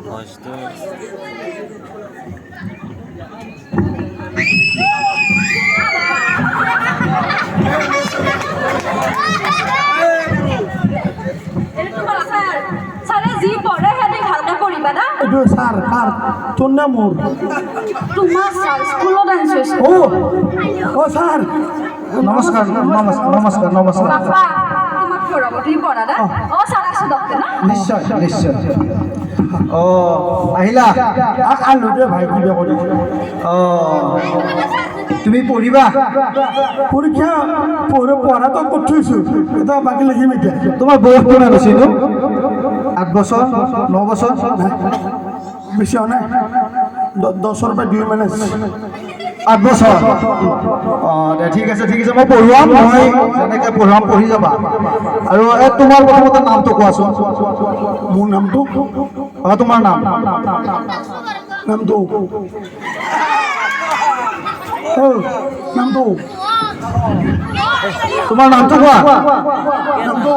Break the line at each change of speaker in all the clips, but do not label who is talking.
ভইচটো
যি পঢ়ে সিহঁতে ভালকে পঢ়িবা না
এইটো ছাৰ কাৰ তোৰ নে মোৰ
তোমাৰ ছাৰ স্কুলত আনিছোঁ
অ ছাৰ নমস্কাৰ নমস্কাৰ নমস্কাৰ নমস্কাৰ
বাপা তোমাক পঢ়াব তুমি পঢ়া না ছাৰ আছোঁ ডক্টৰ না
নিশ্চয় নিশ্চয় আহিলা আলু দে ভাই কিবা কৰি তুমি পঢ়িবা পৰীক্ষা পঢ়াটো কৰি থৈছোঁ এটা বাকী লিখিম এতিয়া তোমাৰ বয়স কিমান হৈছে নো 8 বছৰ 9 বছৰ বেছি হোৱা নাই 10ৰ পৰা 2 মানে 8 বছৰ দে ঠিক আছে মই পঢ়ুৱাম মই যেনেকৈ পঢ়ুৱাম পঢ়ি যাবা আৰু তোমাৰ প্ৰথমতে নামটো কোৱাচোন মোৰ নামটো তোমাৰ নামটো নামটো তোমাৰ নামটো কোৱা নামটো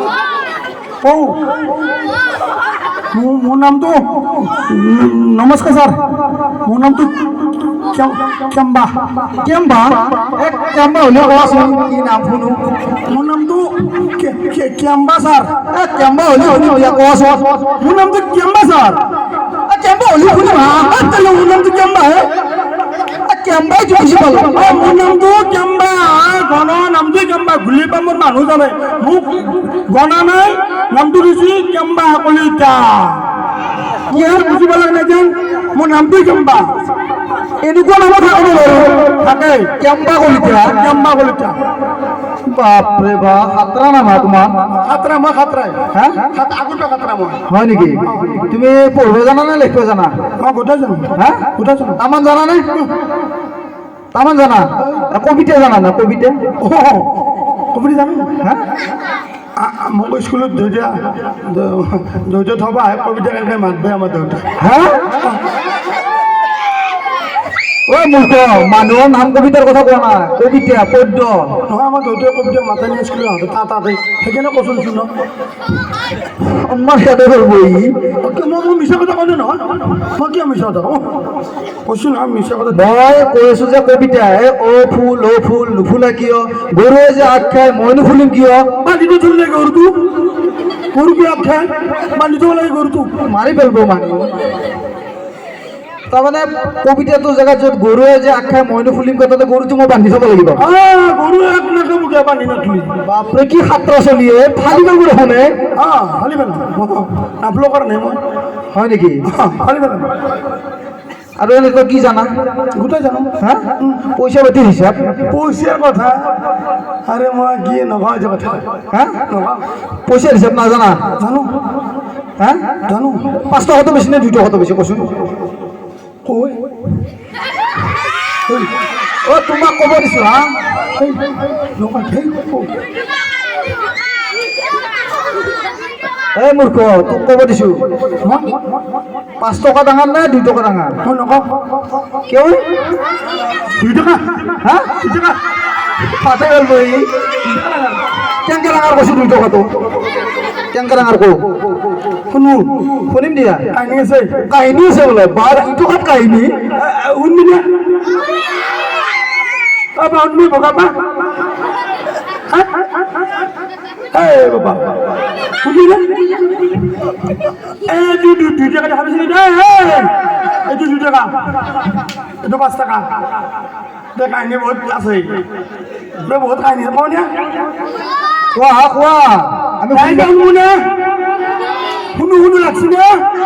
মোৰ নামটো নমস্কাৰ ছাৰ মোৰ নামটো কেম্বা কেম্বা কেম্বা হ'লেও কোৱাচোন কি নাম শুনো মোৰ নামটো কেম্বা ছাৰ কেম্বা হ'লেও কোৱাচোন মোৰ নামটো কেম্বা ছাৰ কেম্বা হ'লেও শুনিবা মোৰ নামটো কেম্বা হে কেম্বাই বুজি পালো মোৰ নামটো কেম্বা গণৰ নামটো কেম্বা ঘূলি পা মোৰ মানুহ জানে মোক গণা নাই নামটো দিছি কেম্বা কলিতা কি বুজি পালে নেজান মোৰ নামটো কেম্বা এনেকুৱা নামত থাকে কেম্বা কলিতা বাপৰে বাপ খাতৰা নাম তোমাৰ খাতৰা মই খাতৰাই হা আগতে খাতৰা মই হয় নেকি তুমি পঢ়িব জানা নে লিখিব জানা মই গোটেই জানো হা গোটেই জানো তামান জানা নে তামান জানা কবিতা জানা না কবিতা কবিতা জানো হা মোক স্কুলত ধৈৰ্য থবা কবিতা কেনেকৈ মাতবে আমাৰ দেউতা হা মূৰ্খ মানুহৰ নাম কবিতাৰ কথা কোৱা নাই কবিতা পদ্য নহয় আমাৰ দেউতাই কবিতা মাতাই নি স্কুলত তাতে সেইকাৰণে কৈছোঁ ন আমাৰ সিহঁতে মই মিছা কথা ক'লো নহয় মই কিয় মিছা কথা কৈছোঁ নহয় মিছা কথা মই কৈ আছোঁ যে কবিতা অ ফুল নুফুলা কিয় গৰুৱে যে আগ খায় মই নুফুলিম কিয় বান্ধিব চলিলে গৰুটো গৰুটো আগ খায় বান্ধি থ'ব লাগে গৰুটো মাৰি পেলাব মানুহ তাৰমানে কবিতাটো জেগাত য'ত গৰুৱে যে আগ খায় মইনো ফুলিম তাতে গৰুটো মই বান্ধি থ'ব লাগিব গৰু এক নাকে বান্ধি নথলি বাপৰে কি সাত্ৰ চলি ফালি পেলাব দেখোনে ফালি পেলাম নাফলো কৰা নাই মই হয় নেকি ফালি পেলাম আৰু এনেকুৱা কি জানা গোটেই জানো হা পইচা পাতি হিচাপ পইচাৰ কথা আৰে মই কি নকওঁ যে কথা হা নকওঁ পইচাৰ হিচাপ নাজানা জানো হা জানো 5 টকাটো বেছি নে 2 টকাটো বেছি কৈছোঁ তোমাক ক'ব দিছোঁ হা এই মূৰ্খ তোক ক'ব দিছোঁ 5 টকা ডাঙৰ নে 2 টকা ডাঙৰ মই নকওঁ কিয় 2 টকা হা 2 টকা পাতে গ'ল বহি কেনেকৈ ডাঙৰ কৈছোঁ 2 টকাটো কেনেকৈ ডাঙৰ কওঁ শুনিম দিয়া কাহিনী আছে বোলে 12 টকাত কাহিনী শুনবি না শুনবি বগাবা বাবা শুনবি না এই 2 টাকা দেখা পাইছিলি এইটো 2 টাকা এইটো 5 টাকা কাহিনী বহুত আছে বহুত কাহিনী কওঁ দিয়া কোৱা আমি শুনবো না শুনো লাগছি না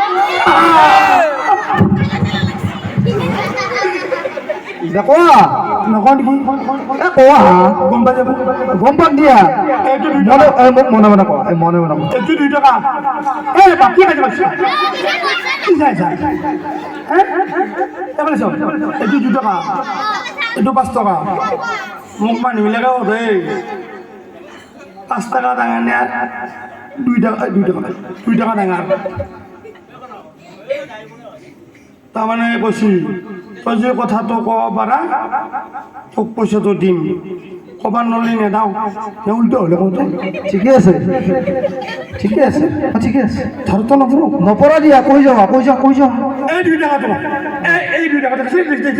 কোৱা নকওঁ নেকি কোৱা গম পাই যাব গম পাম দিয়া মোক মনে মনে কোৱা মনে মনে এইটো 2 টকা বাকী খাই যাব এইটো 2 টকা এইটো 5 টকা মোক মানুহবিলাকে সোধে 5 টাকা ডাঙৰ নে 2 টাকা ডাঙৰ তাৰমানে কৈছিল তই যে কথাটো ক'ব পাৰা তোক পইচাটো দিম কবাৰ নলি নেদাওঁ উল্টো হ'লে কওঁতে
ঠিকে আছে ঠিকে আছে ঠিকে আছে
ধৰতো নপৰো
নপৰা দিয়া কৈ যাবা
এই 2 টাকাটো এই 2 টাকা দেখা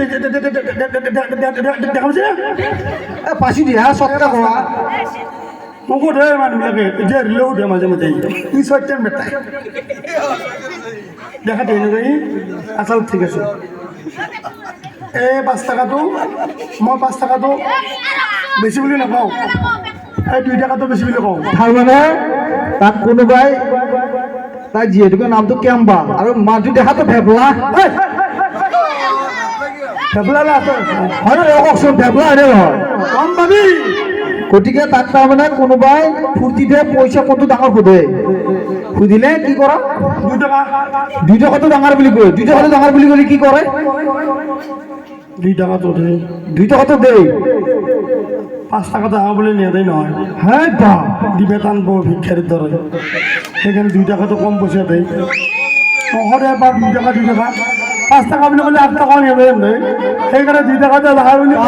পাইছে
পাইছোঁ দিয়া চটকা কোৱা
মোক সোধে মানুহবিলাকে এতিয়া ৰিলেও সোধে মাজে মাজে ই সত্যম বেটাই দেখা দিয়ে এনেকৈ আচল ঠিক আছে এই 5 টাকাটো মই 5 টাকাটো বেছি বুলি নকওঁ এই 2 টাকাটো বেছি বুলি কওঁ
তাৰমানে তাক কোনোবাই তাই যিহেতুকে নামটো কেম্বা আৰু মানুহটো দেখাতো ভেবলা
ভেবলা
হয় কওকচোন ভেবলা হয়নে নহয়
কম পাবি
গতিকে তাক তাৰমানে কোনোবাই ফূৰ্তিতে পইচা ক'তো ডাঙৰ সোধে সুধিলে কি কৰা
2 টাকা
2 টকাটো ডাঙৰ বুলি কয় 2 টকাটো ডাঙৰ বুলি ক'লে কি কৰে
2 টাকাটো
2 টকাটো দেই
5 টাকা ডাঙৰ বুলি নিয়াদেই নহয়
হে বা
দিবে টান বৌ ভিক্ষাৰীৰ দৰে সেইকাৰণে 2 টাকাটো কম পইচা দেই সদায় এবাৰ 2 টাকা 5 টাকা বুলি ক'লে 8 টাকা নিয়াদেই সেইকাৰণে 2 টাকাটো ডাঙৰ বুলি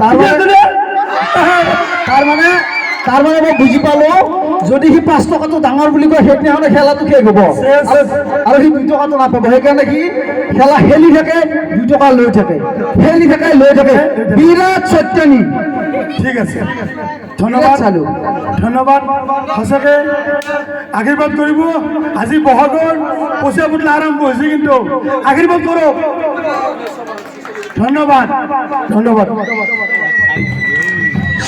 তাৰমানে মই বুজি পালো যদি সি 5 টকাটো ডাঙৰ বুলি কয় সেইদিনাখনে খেলাটো শেষ হ'ব আৰু সি 2 টকাটো নাপাব সেইকাৰণে সি খেলা খেলি থাকে 2 টকা লৈ থাকে বিৰাট সত্যানী
ঠিক আছে ধন্যবাদ
চালো
ধন্যবাদ সঁচাকৈ আশীৰ্বাদ কৰিব আজি বহাগৰ পইচা ফুটলা আৰম্ভ হৈছে কিন্তু আশীৰ্বাদ কৰক ধন্যবাদ